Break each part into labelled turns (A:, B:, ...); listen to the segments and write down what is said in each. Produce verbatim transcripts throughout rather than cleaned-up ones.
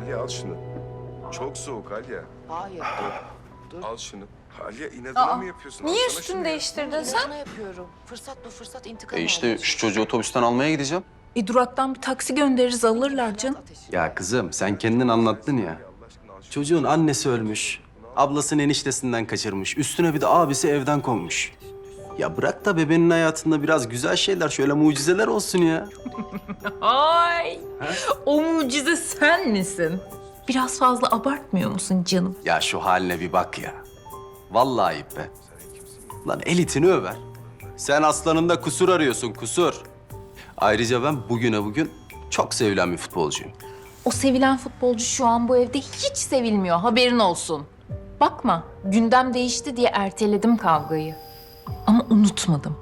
A: Alya al şunu. Çok soğuk Alya.
B: Hayır. Dur.
A: Al şunu. Alya inadına
C: Aa,
A: mı yapıyorsun?
C: niye
A: Alsana şunu
C: üstünü
A: ya.
C: değiştirdin sen?
B: Sana yapıyorum. Fırsat bu fırsat intikam
D: E işte
B: alıyorsun.
D: şu çocuğu otobüsten almaya gideceğim.
C: E duraktan bir taksi göndeririz alırlar canım.
B: Ateşi.
D: Ya kızım sen kendin anlattın ya. Çocuğun annesi ölmüş. Ablasını eniştesinden kaçırmış. Üstüne bir de abisi evden konmuş. Ya bırak da bebeğin hayatında biraz güzel şeyler, şöyle mucizeler olsun ya.
C: Ay, o mucize sen misin? Biraz fazla abartmıyor musun canım?
D: Ya şu haline bir bak ya. Vallahi ayıp be. Lan elitini över. Sen aslanında kusur arıyorsun, kusur. Ayrıca ben bugüne bugün çok sevilen bir futbolcuyum.
C: O sevilen futbolcu şu an bu evde hiç sevilmiyor, haberin olsun. Bakma, gündem değişti diye erteledim kavgayı. Ama unutmadım.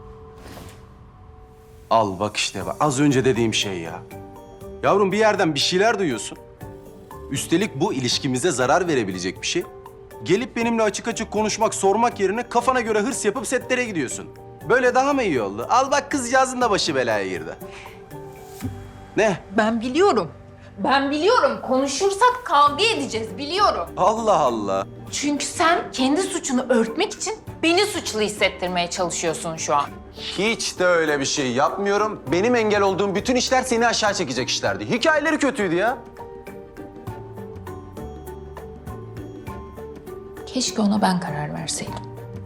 D: Al bak işte bak. Az önce dediğim şey ya. Yavrum bir yerden bir şeyler duyuyorsun. Üstelik bu ilişkimize zarar verebilecek bir şey. Gelip benimle açık açık konuşmak, sormak yerine kafana göre hırs yapıp setlere gidiyorsun. Böyle daha mı iyi oldu? Al bak kızcağızın da başı belaya girdi. Ne?
C: Ben biliyorum. Ben biliyorum. Konuşursak kavga edeceğiz, biliyorum.
D: Allah Allah.
C: Çünkü sen kendi suçunu örtmek için beni suçlu hissettirmeye çalışıyorsun şu an.
D: Hiç de öyle bir şey yapmıyorum. Benim engel olduğum bütün işler seni aşağı çekecek işlerdi. Hikayeleri kötüydü ya.
C: Keşke ona ben karar verseydim.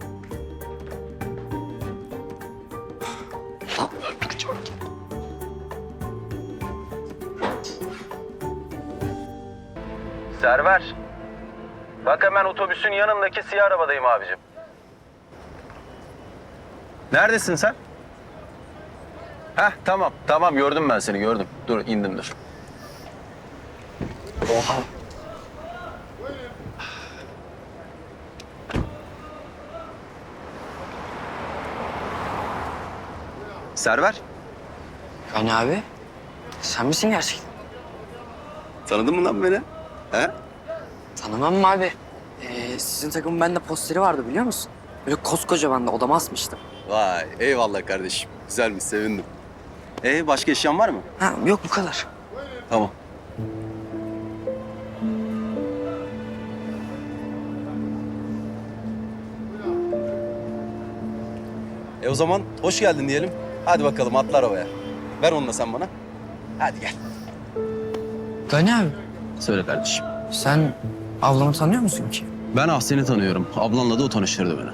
D: Server. Bak hemen otobüsün yanındaki siyah arabadayım abicim. Neredesin sen? Heh tamam, tamam gördüm ben seni gördüm. Dur indim dur. Oha. Server.
E: Gani abi, sen misin gerçekten?
D: Tanıdın mı lan beni? He?
E: Tanımam mı abi? Ee, sizin takımın bende posteri vardı biliyor musun? Böyle koskocaman da odama asmıştım.
D: Vay eyvallah kardeşim. Güzelmiş sevindim. Ee başka eşyan var mı?
E: Ha yok bu kadar.
D: Tamam. E o zaman hoş geldin diyelim. Hadi bakalım atla arabaya. Ver onu da sen bana. Hadi gel.
E: Gani abi,
D: Söyle kardeşim.
E: sen ablamı tanıyor musun ki?
D: Ben Ahsen'i tanıyorum. Ablanla da o tanıştırdı beni.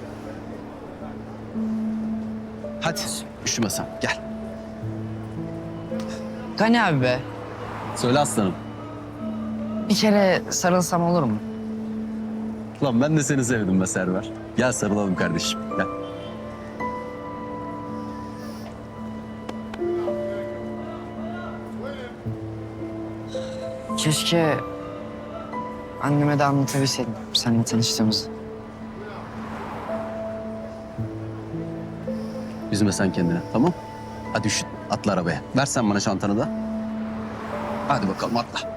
D: Hadi üşüme sen gel.
E: Gani abi be,
D: Söyle aslanım.
E: bir kere sarılsam olur mu?
D: Lan ben de seni sevdim be Server. Gel sarılalım kardeşim gel.
E: Keşke anneme de anlatabilseydim seninle tanıştığımızı.
D: Üzme sen kendini tamam? Hadi üşüt atla arabaya. Ver sen bana çantanı da. Hadi bakalım atla.